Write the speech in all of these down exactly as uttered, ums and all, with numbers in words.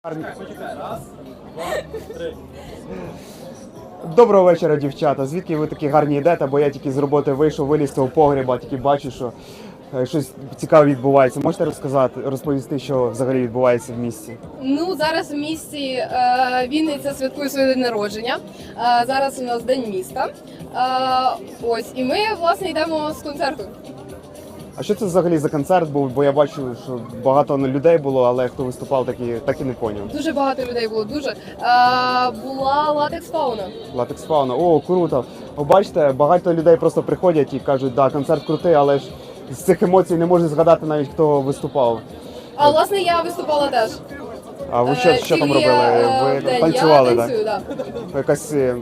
Доброго вечора, дівчата. Звідки ви такі гарні йдете? Бо я тільки з роботи вийшов, виліз з цього погреба, тільки бачу, що е, щось цікаве відбувається. Можете розказати, розповісти, що взагалі відбувається в місті? Ну, зараз в місті е, Вінниця святкує своє день народження. Е, зараз у нас День міста. Е, ось, і ми, власне, йдемо з концерту. А що це взагалі за концерт був? Бо я бачу, що багато людей було, але хто виступав, так і, так і не поняв. Дуже багато людей було, дуже. Е, була латекс фауна. Латекс фауна. О, круто. О, бачите, багато людей просто приходять і кажуть, да, концерт крутий, але ж з цих емоцій не можу згадати навіть, хто виступав. А, власне, я виступала теж. А ви що, Е, що там тільки, робили? е, Ви де танцювали, я так? танцюю, да. Якась... Е,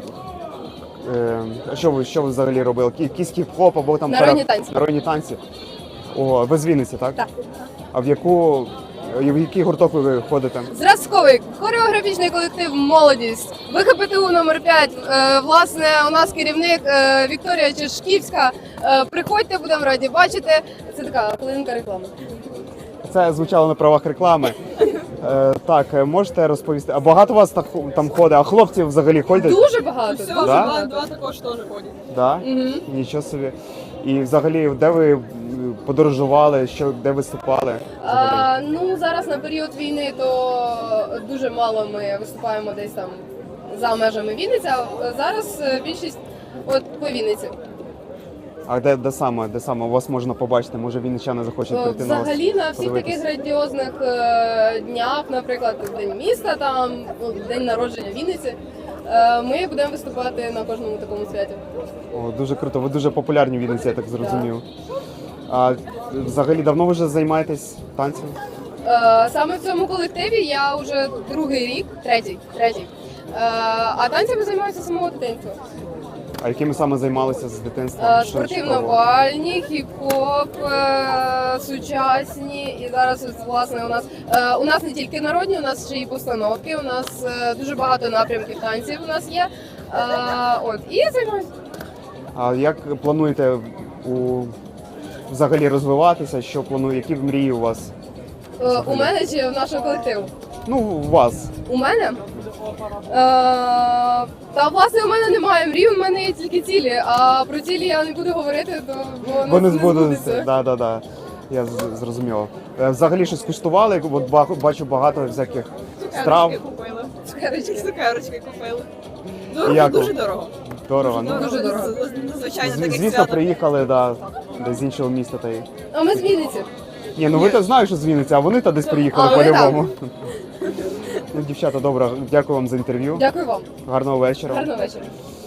е, що ви, що ви взагалі робили? Кі- Якийсь хіп-хоп або там... Народні пара- танці. Народні танці. О, ви з Вінниці, так? Так. А в яку... В який гурток ви ходите? Зразковий хореографічний колектив «Молодість». ВХПТУ номер п'ять. Е, власне, у нас керівник е, Вікторія Чешківська. Е, приходьте, будемо раді бачити. Це така хвилинка реклами. Це звучало на правах реклами. Е, так, е, можете розповісти? А багато вас так, там ходить? А хлопці взагалі ходять? Дуже багато. Все, дуже Да? два, два також теж ходять. Да? Мгм. Нічого собі. І взагалі, де ви м, подорожували, що, де виступали? Взагалі? А, ну, зараз на період війни то дуже мало ми виступаємо десь там за межами Вінниці, а зараз е, більшість от по Вінниці. А де, де саме, де саме вас можна побачити? Може вінничани захочуть Е, прийти на вас? Взагалі на всіх подивитись? таких грандіозних е, днях, наприклад, День міста, там ну, День народження Вінниці, е, ми будемо виступати на кожному такому святі. О, дуже круто. Ви дуже популярні в Вінниці, я так зрозумів. А взагалі давно ви вже займаєтесь танцем? Е, Саме в цьому колективі я вже другий рік, третій, третій. Е, А танцями займаюся з самого дитинства. А якими саме займалися з дитинства? Е, Що- що пробували? Спортивно-бальні, хіп-хоп, е, сучасні. І зараз ось, власне у нас е, у нас не тільки народні, у нас ще й постановки. У нас е, дуже багато напрямків танців. У нас є. Е, От і займаюся. А як плануєте у взагалі розвиватися? Що планує? Які мрії у вас? Е, У мене чи в нашого колективу? Ну, у вас. У мене? Е, Та власне у мене немає мрій, у мене є тільки цілі. А про цілі я не буду говорити, то бо Бо не не збудуться. збудеться. Да, да, да. Я з- зрозумів. Е, Взагалі щось куштували? От ба- бачу багато всяких страв. Цукерочки купили. Цукерочки. Цукерочки купили. І Дорого, як дуже ви? дорого. Дорого. Ну, Дуже дорого. Звичайно, з- таке звісно, свято. приїхали, да, десь з іншого міста. Та й... А ми з Вінниці. Ні, ну ви то знаєте, що з Вінниці, а вони то десь приїхали А, вони по-любому. Ну, дівчата, добре, дякую вам за інтерв'ю. Дякую вам. Гарного вечора. Гарного вечора.